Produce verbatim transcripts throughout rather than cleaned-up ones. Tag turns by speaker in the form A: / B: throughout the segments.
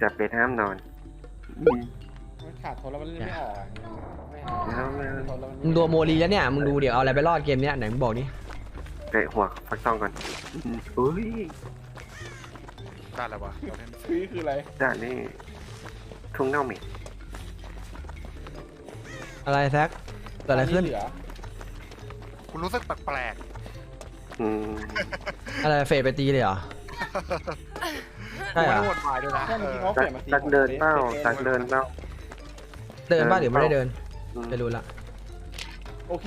A: จะเป็นห้ามนอน
B: มันขาดทนแล้วมันเล่นไม่ออกอะไม่เอา
A: แล้วไม่
B: ทนแล้วมัน
C: มึงดูโมลีแล้วเนี่ยมึงดูเดี๋ยวเอาอะไรไปรอดเกมเนี้ยไหนมึงบอกนี่
A: เตะหัวฟักทองก่อนอุ้ย
D: ได้แล้ววะเราเล่น
B: คือคืออะไร
A: ด่านนี้ทุ่งเน่าเหม็น
C: อะไรแซกเกิดอะไรขึ้น
B: เหลือ
D: คุณรู้สึกแปลก
A: อืม
C: อะไรเฟดไปตีเลยเหรอ
D: ๆ
C: ใช่เหรอ
D: ไม่ได้วนวายด้วยนะ
B: ถ้า
D: เอ
B: เมื่อกี้
D: อ
B: เขาเป
A: ตั
B: ลี่ยนมาตี
A: กเดินเป้าตักเดินเป้า
C: เดินป่ะหรือไม่ได้เดิน
A: อืม
C: ไม่รู้ละ
B: โอเค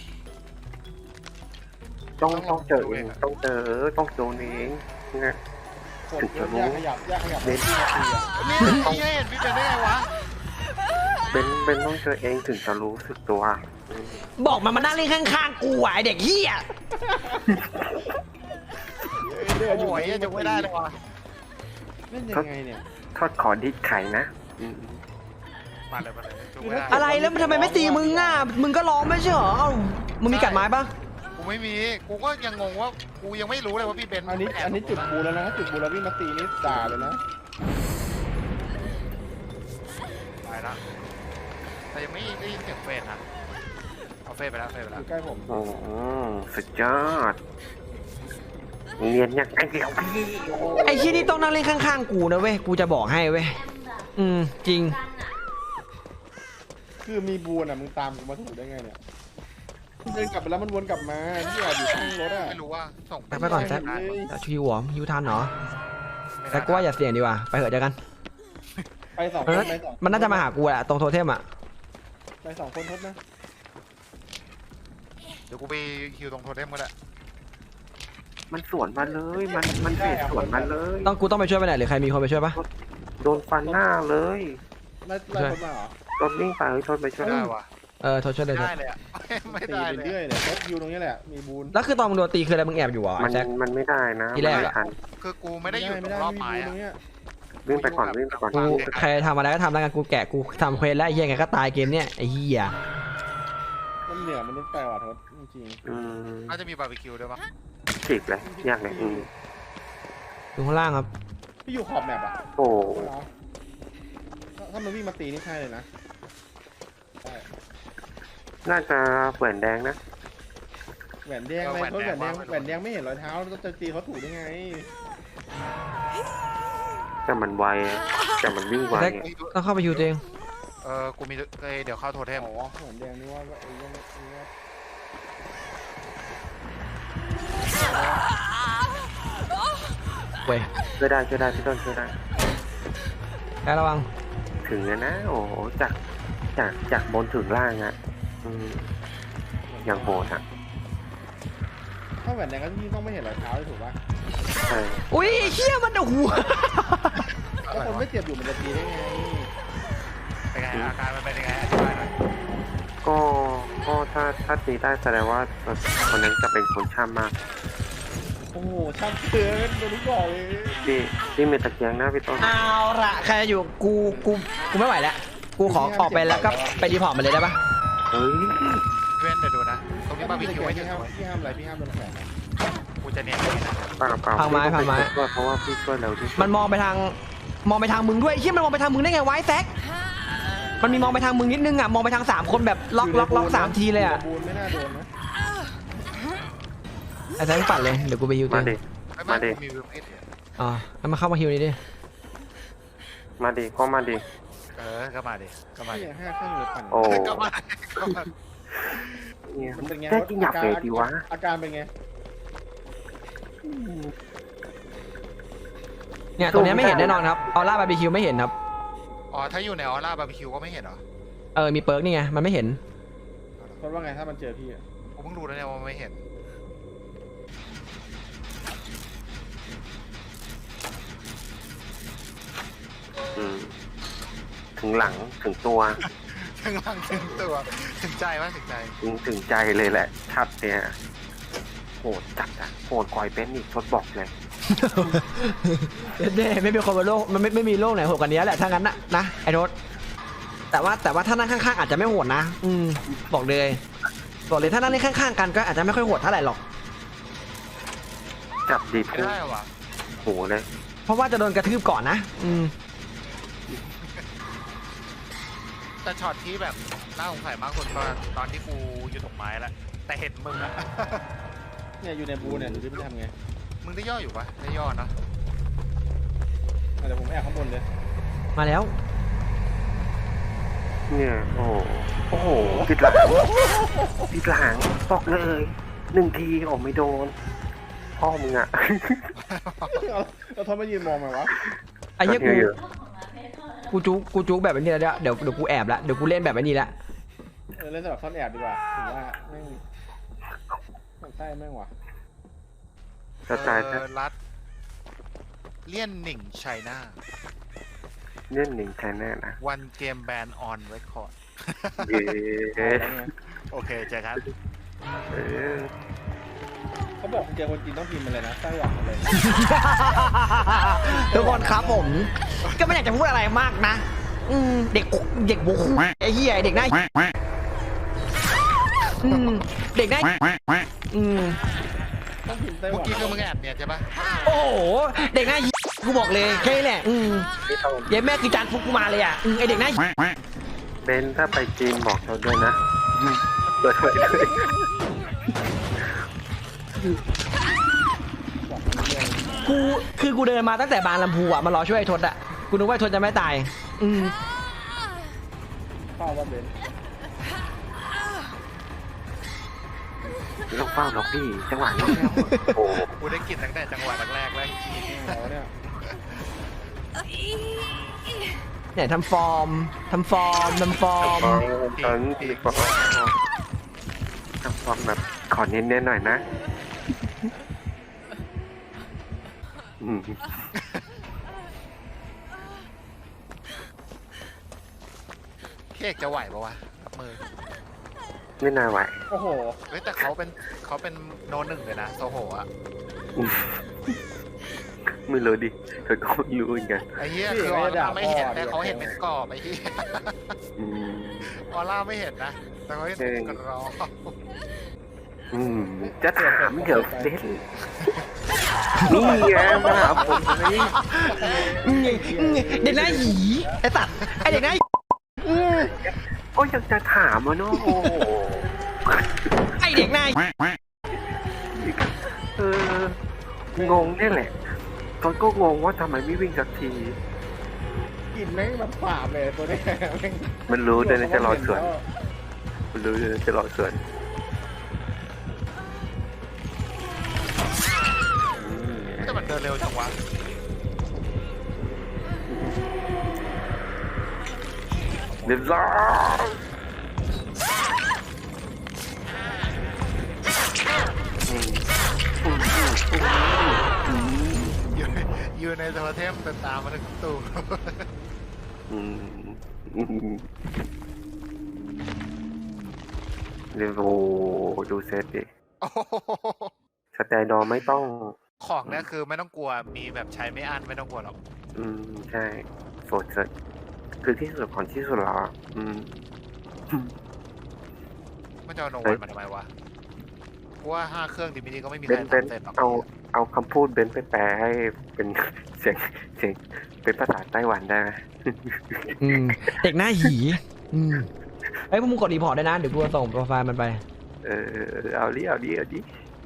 A: ต้องต้องเจอเองต้องเจอต้องโดนเองนะ
B: กดเยอะยากขยับยากขยับ
A: เน้น
B: ที่นาทีอะ
D: นี่นี่เห็นพี่เป็นได้ไงวะ
A: เป็นเป็นต้องเจอเองถึงจะรู้สึกตัวอืม
C: บอกมันมานั่งเล่นข้างๆกูอ่ะไอเด็กเฮีย
B: เดิน
D: โอ้
B: อยู่
D: โหยังจะไม่ได้เลยวะ
B: เล่นยังไงเนี่ย
A: ทอดขอดิดไข่นะอืม
D: มาเลยมาเลยจุกไม่ได้
C: อะไรแล้วมันทำไมไม่ตีมึงอ่ะมึงก็ร้องไม่ใช่เหรอเอ้ามึงมีกัดไม้ปะ
D: กูไม่มีกูก็ยังงงว่ากูยังไม่รู้เลยว่าพี่เบน
B: อันนี้อันนี้จุดบูแล้วนะถ้าจุดบูแล้ววิ่งมาตีนี่ด่าเลยนะ
D: ตายละแต่ยังไม่ได้ยินเสียงเฟสนะเอาเฟสไปแล้วเฟสไป
B: อ
D: แล้ว
B: ยู่ใกล้ผม
A: โอ้สุดยอดเนียนอย่างไอเดียวพี่
C: ไอ้ที่นี่ต้องนั่งเล่นข้างๆกูนะเว้ยกูจะบอกให้เว้ยอืมจริง
B: คือมีบูนอ่ะมึงตามกูมาถูกได้ไงเนี่ยเดินกลับไปแล้วมันวนกลับมาที่แอบอยู่ข้างรถอ่ะ
D: ไม่รู้ว่าส่ง
C: แซกไปก่อนแซก
D: ม่ด้
C: ชิวหัวยูทันเหรอ
D: ไม่ได้
C: แต่กูว่าอย่าเสี่ยงดีกว่าไปเถอะเจอกัน
B: ไปสองค
C: มัน
B: น
C: น่า
B: ไปสอง
C: มันน่าจะมาหากูแหละตรงโทเทมอ่ะ
B: ไปสองคนทดนะ
D: เดี๋ยวกูไปคิวตรงโทเทมก็ได้
A: มันสวนมาเลย มันมันเฟดสวนมาเลย
C: ต้องกูต้องไปช่วยไปไหนหรือใครมีคนไปช่วยปะ
A: โดนฟันหน้าเลย
B: ไล่ไล่คนมาเหรอ
A: รถวิ่งไปเฮ้ยรถไปช่วย
D: ได้วะ
C: เออโทษช่วยเลย
D: ได้เลยอ่ะไม่
B: ตี
D: ได้
B: ไป
D: เลย
B: เรื่อยเลยรถยูตรงนี้แหละมีบูน
C: แล้วคือตอนมึงโดนตีคืออะไรมึงแอบอยู่เหรอ
A: มัน
C: แจ็ค
A: มันไม่ได้นะ
C: ที่แรกอะ
A: ไม่ทัน
D: คือกูไม่ได้อยู่ต
B: ไม่
D: ร
B: ได้
D: งรอบ
B: ไม่
D: ไม้
B: มีบูนตร
D: อะ
B: งเนี้ย
A: วิ่งไปก่อนวิ่งไปก่อน
C: กูใครทำอะไรก็ทำแล้วกันกูแกะกูทำเควสแล้วไอ้เหี้ยไงก็ตายเกมเนี้ยไอ้เหี้ย
B: มันเหนือมันนิดแต่ว่ะทศจริง
A: อืม
D: น่าจะมีบาร์บีคิวด้วยมั้ง
A: จีบเลยยากเลยอืม
C: อยู่ข้างล่างครับ
B: ๆพี่อยู่ขอบแมปอ่ะ
A: โอ้
B: เหรอถ้าถ้ามันวิ่งมาตีนี่ใช่เลยนะใช่
A: น่าจะแหวนแดงนะ
B: แหวนแดงอะไรทศแหวนแดงแหวนแดงไม่เห็นรอยเท้าแล้วจะตีเขาถูกได้ไง
A: แต่มันไวแต่มันวิ่งไว
C: แจ็คต้องเข้าไปฮิวตัวเอง
D: เออกูมีเอ้ยเดี๋ยวเข้าโทเทม
B: อ๋อแหวนแดงนี่ว่าไอ้ยังไอ้ยัง
C: เว้ย
A: ช่วยได้ช่วยได้พี่ต้นช่วยได้
C: แจ็คระวัง
A: ถึงแล้วนะ โอ้โหจากจากจากบนถึงล่างอ่ะอืมอย่างโหดอ่ะ
B: ถ้าแหวนแดงก็ที่ต้องไม่เห็นรอยเท้าเลยถูกป่ะ
A: ใช่
C: อุ้ยเหี้ยมันโอ้โห
B: ถ้าคนไม่เจ็บอยู่มันจะตีได้ไง
D: เป็นไงอาการมันเป็นยังไงอธิบายหน่อย
A: ก็ก็ถ้าถ้าตีได้แสดงว่าคนนั้นจะเป็นคนช่ำมาก
B: โอ้โหช่างเกินโดนลูกบอกเลย
A: ที่ที่มีตะเกียงนะพี่ต้น
C: เอาละใครจะอยู่กูกูกูไม่ไหวแล้วกูขอออกไปแล้วก็ไปรีพอร์ตมาเลยได้ปะ
A: เฮ้ย
D: เว้นเดี๋ยวดูนะตรงนี้บาร์บีคิวไว้
B: พี่
D: ที่
B: ห้าม
D: ไหน
B: พี่ห้ามอะไรพี่ห้ามโดนแขนนะ
D: กูจะเนียนอย่างนี้นะ
A: เปล่าเปล่า
C: พังไม้พังไม้
A: พี่ต้องปช่วยเพราะว่าพี่ช่วยเร็วที่สุด
C: มันมองไปทางมองไปทางมึงด้วยเหี้ยมันมองไปทางมึงได้ไงวะไอ้แซกมันมีมองไปทางมึงนิดนึงอ่ะมองไปทางสามคนแบบล็อกล็อกล็อกสามทีเลยอ่ะ
B: บูนไม่น่าโดนนะ
C: ไอ้แซกปัดเลยเดี๋ยวกูไปฮิวตัว
A: มา
C: เอ
A: ดิ
C: ง
D: ไม่
A: มา
D: ไม่
A: ดิ
D: กูมีวิวเอ็ด
C: อ๋อแล้วมาเข้ามาฮิวนี่ดิ
A: มาดิก็มาดิ
D: เออก็มาดิก็มา
B: พี่
D: ดิ
B: ห้าเครื่องเลยปั่น
A: โอ้
D: ก็มาก็มา
A: เนี่ย
B: มันเป็นไง
A: แค่กินหยาบเฟดดีวะ
B: อาการเป็นไง
C: เนี่ยตัวเนี้ยไม่เห็นแน่นอนครับออร่าบาร์บีคิวไม่เห็นครับ
D: อ๋อถ้าอยู่ในออร่าบาร์บีคิวก็ไม่เห็นเหรอ
C: เออมีเปิร์กนี่ไงมันไม่เห็น
B: เพราะว่าไงถ้ามันเจอพี่อะ
D: กูเพิ่งรู้แล้วเนี่ยว่าไม่เห็น
A: อืมถึงหลังถึงตัว
D: ถึงหลังถึงตัวถึงใจวะถึงใจ
A: ถึงถึงใจเลยแหละชัดเนี่ยโหดจัดอะโหดกอยเป็นอีกทดบอกเลย
C: เด้ไม่มีคนบนโลกมันไม่ไม่มีโลกไหนโหดกว่านี้แหละถ้างั้นนะนะไอ้โรถแต่ว่าแต่ว่าถ้านั่งข้างๆอาจจะไม่โหดนะอืมบอกเลยบอกเลยถ้านั่งข้างๆกันก็อาจจะไม่ค่อยโหดเท่าไหร่หรอก
A: จับดี
D: ไม่
A: ทุก
D: ได้วะ
A: โหเลย
C: เพราะว่าจะโดนกระทืบก่อนนะอืม
D: แต่ช็อตที่แบบน่าสงสัยมากคนตอนตอนที่กูอยู่ตรงไม้แล้วแต่เห็นมึงอะ
B: เนี่ยอยู่ในบูเนี่ยดูที่มันทำไง
D: มึงได้ย่ออยู่ปะได้ย่อเนอะ
B: อ่ะเดี๋ยวผมแอบข้างบนเลย
C: มาแล้ว
A: เนี่ยโอ้โหโอ้โหติดหลังติดหลังตกเลยหนึ่งทีโอ้ไม่โดนพ่อมึงอ่ะ
B: เอาเราทำไมยืนมองมาวะ
C: ไอ้เหี้ยกู
A: เยอะ
C: กูจุกกูจุกแบบนี้แล้วเดี๋ยวเดี๋ยวกูแอบละเดี๋ยวกูเล่นแบบนี้ละ
B: เออเล่นสำหรับซ่อนแอบดีกว่าผมว่าแม่งมันใช่แม่งว่ะ
A: สไตล์
D: เออรัดเลี่ยนหนิงไชน่า
A: เล่นหนึ่งแทนแน่นะ
D: วันเกมแบนออนเรคคอร์ด
A: เย้
B: เอาแล้วไง
D: โอเคเจอกัน
A: เออ
B: เขาบอกเจอคนจีนต้องพิมพ์มาเลยนะไต้หวันมาเลย
C: ทุกคนครับผม ก็ไม่อยากจะพูดอะไรมากนะ อืมเด็กเด็กบุกไอ้เหี้ยเด็กหน้าอืมเด็กหน้าอืม
B: ต้องพิมพ์ไต้ห
D: เมื่
B: วั
D: อน กี้คือมึงแอบเนี่ยใช่ปะ
C: โอ้โหเด็กหน้ากูบอกเลยแค่นี้แหละอืม
A: ไม่ต้อง
C: เย้แม่คือจานฟุกกูมาเลยอ่ะอืมไอเด็กหน้า
A: เบนถ้าไปจีนบอกเราด้วยนะเปิดไว้ด้วย
C: กูคือกูเดินมาตั้งแต่บางลำพูอ่ะมารอช่วยไอ้ทศอ่ะกูนึกว่าไอ้ทศจะไม่ตาย อืม
B: เฝ้าว่าเบน
A: ไม่ต้องเฝ้าหรอกพี่จังหวะนี้แล้วโอ้
D: กูได้กลินตั้งแต่จังหวะแรกๆแล้ว
B: เขาเนี่ย
C: เนี่ยทำฟอร์มทำฟอร์มทำฟอร์ม
A: ตอนนี้พี่บอกว่าทำความแบบขอเน้นๆหน่อยนะอืม
D: เค้กจะไหวปะวะกับมือ
A: ไม่น่าไหว
B: โอ้โห
D: เฮ้ยแต่เขาเป็นเขาเป็นโนหนึ่งเลยนะโซโหอะ
A: ไม่รู้ดิเธอก็ไม่รู้เหมือนกัน
D: ไอ้เหี้ยคือออร่าไม่เห็นแต่เขาเห็นเป็นกรอบไอ้เหี้ย
A: อืม
D: ออร่าไม่เห็นนะแต่เขาเห็นเป็นกรอบ
A: อืมจะถามเดี๋ยวเด็ดนี่ไงมาหาผมเลย
C: อืมอืมเด็กหน้าหยีไอ้ตัดไอ้เด็กหน้าหยีอืม
A: ก็ยังจะถามอ่ะเนาะโอ้โห
C: ไอ้เด็กหน้าหยี
A: เอองงนี่แหละตอนก็งงว่าทำไมไม่วิ่งสักที
B: กลิ่นแม่งแบบปราบเลยตัวเนี้ยแม่ง
A: มันรู้ด้วยนะจะรอสวนมันรู้ด้วยนะจะรอสวนอืม
D: แต่มันเดินเร็วจังวะ
A: เรียบร้อยอืมอืมอืม
D: อยู่อยู่ในโทเทมแต่ตามมาถึงตู้
A: อืมอืมเรียบโอ้ดูเซตดิ
D: โอ้โห
A: สแตนดอร์ไม่ต้อง
D: ของเนี่ยคือไม่ต้องกลัวมีแบบใช้ไม่อั้นไม่ต้องกลัวหรอก
A: อืม ใช่โสดสุดคือที่สุดของที่สุดแล้วอะอืม
D: ไม่จะเอาโน
A: เฮ้
D: วัน
A: ย
D: มาทำไมวะเพราะว่าห้าเครื่องดีมินีก็ไม่มี
A: เบ
D: ใคร
A: นเบน
D: ทำเสร็จหรอก
A: เอาเอาคำพูดเบนไปแปลให้เป็น เสียงเสียงเป็นภาษาไต้หวันได้ไหม
C: อืมเด็กหน้าหยีอืมไอ้ยพวกมึงกดรีพอร์ตได้นะเดี๋ยวกูจะส่งโปรไฟล์มันไป
A: เออเอาดิเอาดิเอาดิ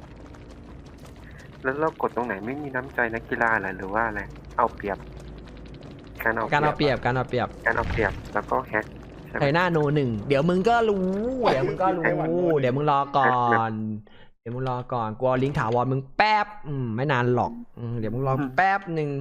A: แล้วเรากดตรงไหนไม่มีน้ำใจนักกีฬาเหรอหรือว่าอะไรเอาเปรียบ การเอา
C: การเอาเปรียบการเอาเปรียบ
A: การเอาเปรียบแล้วก็แฮกใช่ไหม
C: ไทหน้าโนหนึ่งเดี๋ยวมึงก็รู้ เดี๋ยวมึงก็รู้ เดี๋ยวมึงรอก่อน เดี๋ยวมึงรอก่อนกูเอาลิงก์ถาวรมึงแป๊บอืมไม่นานหรอกอืมเดี๋ยวมึงรอแป๊บหนึ่ง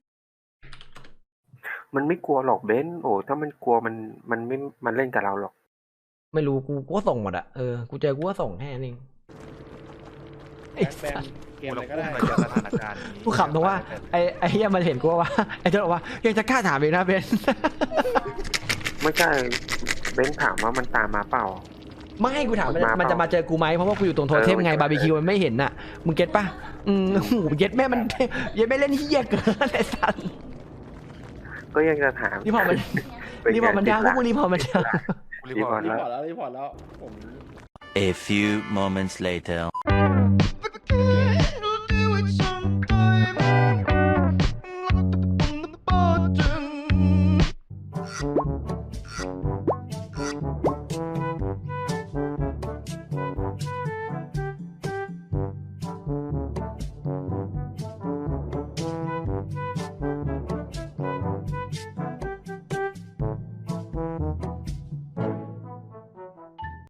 A: มันไม่กลัวหรอกเบนโอ้ถ้ามันกลัวมันมันไม่มันเล่นกับเราหรอก
C: ไม่รู้กูกูก็ส่งหมดอะเออกูเจอกูก็ส่งแค่นั้นเองไอ้
B: แบน
C: สัส
B: เกม
D: กู
B: อะไร
D: เรา
B: ก็
D: พุ่ง
B: ได้
D: มาเจอสถานการณ์นี้
C: กูขำตรงว่าไอ้ไอ้เฮียมันเห็นกูว่า ไอ้เจ้าบอกว่ายังจะกล้าถามอีกนะเบน
A: ไม่ใช่เบนถามว่ามันตามมาเปล่า
C: ไม่กูถามมัน
A: มาเปล่ามั
C: มันจะมาเจอกูไหมเพราะว่ากูอยู่ตรงโทเทม
A: เออ
C: ไง
A: ใช่
C: บาร์บีคิวมันไม่เห็นน่ะมึงเก็ตปะอืมโอ้โหเก็ตแม่มันเย็ดไม่เล่นเฮียเกินไอ้สัส
A: ก็ยังจะถาม
C: นี่พอมัน
A: เป็
C: นี่พอมันดังพวกมึงนี่พอมันดัง
D: กูรีพอร์ต
B: รีพอร์ตแล้วรีพอร์ตแล้วผม
E: A few moments later.